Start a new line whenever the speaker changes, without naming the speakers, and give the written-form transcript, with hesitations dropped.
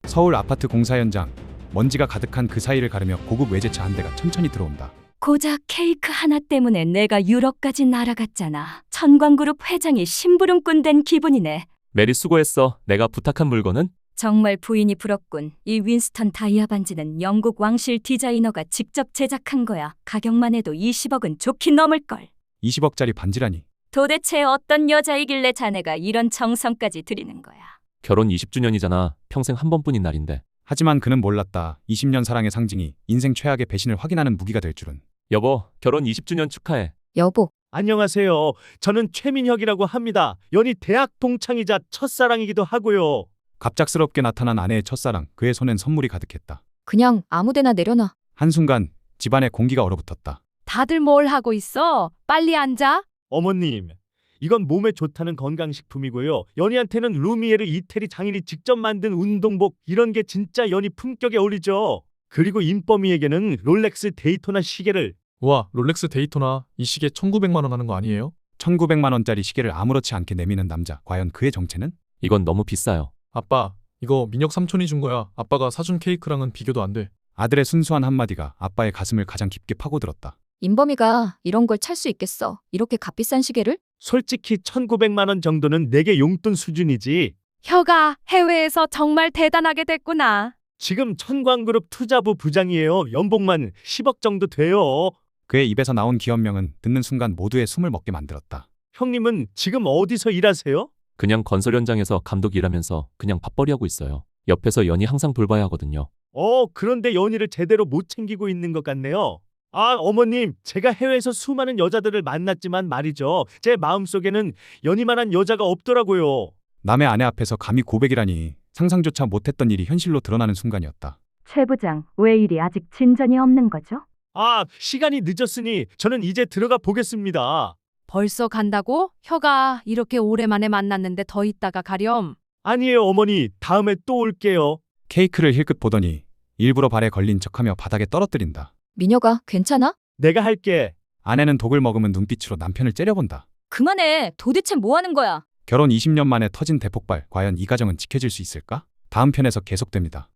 서울 아파트 공사 현장. 먼지가 가득한 그 사이를 가르며 고급 외제차 한 대가 천천히 들어온다.
고작 케이크 하나 때문에 내가 유럽까지 날아갔잖아. 천광그룹 회장이 심부름꾼 된 기분이네.
메리 수고했어. 내가 부탁한 물건은?
정말 부인이 부럽군. 이 윈스턴 다이아 반지는 영국 왕실 디자이너가 직접 제작한 거야. 가격만 해도 20억은 좋게 넘을걸.
20억짜리 반지라니.
도대체 어떤 여자이길래 자네가 이런 정성까지 들이는 거야.
결혼 20주년이잖아. 평생 한 번뿐인 날인데.
하지만 그는 몰랐다. 20년 사랑의 상징이 인생 최악의 배신을 확인하는 무기가 될 줄은.
여보, 결혼 20주년 축하해.
여보,
안녕하세요. 저는 최민혁이라고 합니다. 연희 대학 동창이자 첫사랑이기도 하고요.
갑작스럽게 나타난 아내의 첫사랑. 그의 손엔 선물이 가득했다.
그냥 아무데나 내려놔.
한순간 집안의 공기가 얼어붙었다.
다들 뭘 하고 있어? 빨리 앉아.
어머님, 이건 몸에 좋다는 건강식품이고요. 연희한테는 루미에르 이태리 장인이 직접 만든 운동복, 이런 게 진짜 연희 품격에 어울리죠. 그리고 인범이에게는 롤렉스 데이토나 시계를.
와, 롤렉스 데이토나 이 시계 1900만 원 하는 거 아니에요?
1900만 원짜리 시계를 아무렇지 않게 내미는 남자. 과연 그의 정체는?
이건 너무 비싸요.
아빠, 이거 민혁 삼촌이 준 거야. 아빠가 사준 케이크랑은 비교도 안 돼.
아들의 순수한 한마디가 아빠의 가슴을 가장 깊게 파고들었다.
인범이가 이런 걸 찰 수 있겠어. 이렇게 값비싼 시계를?
솔직히 1900만 원 정도는 내게 용돈 수준이지.
혀가 해외에서 정말 대단하게 됐구나.
지금 천광그룹 투자부 부장이에요. 연봉만 10억 정도 돼요.
그의 입에서 나온 기업명은 듣는 순간 모두의 숨을 먹게 만들었다.
형님은 지금 어디서 일하세요?
그냥 건설 현장에서 감독 일하면서 그냥 밥벌이 하고 있어요. 옆에서 연희 항상 돌봐야 하거든요.
그런데 연희를 제대로 못 챙기고 있는 것 같네요. 아, 어머님, 제가 해외에서 수많은 여자들을 만났지만 말이죠. 제 마음속에는 연희만한 여자가 없더라고요.
남의 아내 앞에서 감히 고백이라니. 상상조차 못했던 일이 현실로 드러나는 순간이었다.
최 부장, 왜 일이 아직 진전이 없는 거죠?
아, 시간이 늦었으니 저는 이제 들어가 보겠습니다.
벌써 간다고? 혀가 이렇게 오랜만에 만났는데 더 있다가 가렴.
아니에요, 어머니. 다음에 또 올게요.
케이크를 힐끗 보더니 일부러 발에 걸린 척하며 바닥에 떨어뜨린다.
민혁아, 괜찮아?
내가 할게.
아내는 독을 머금은 눈빛으로 남편을 째려본다.
그만해. 도대체 뭐 하는 거야?
결혼 20년 만에 터진 대폭발. 과연 이 가정은 지켜질 수 있을까? 다음 편에서 계속됩니다.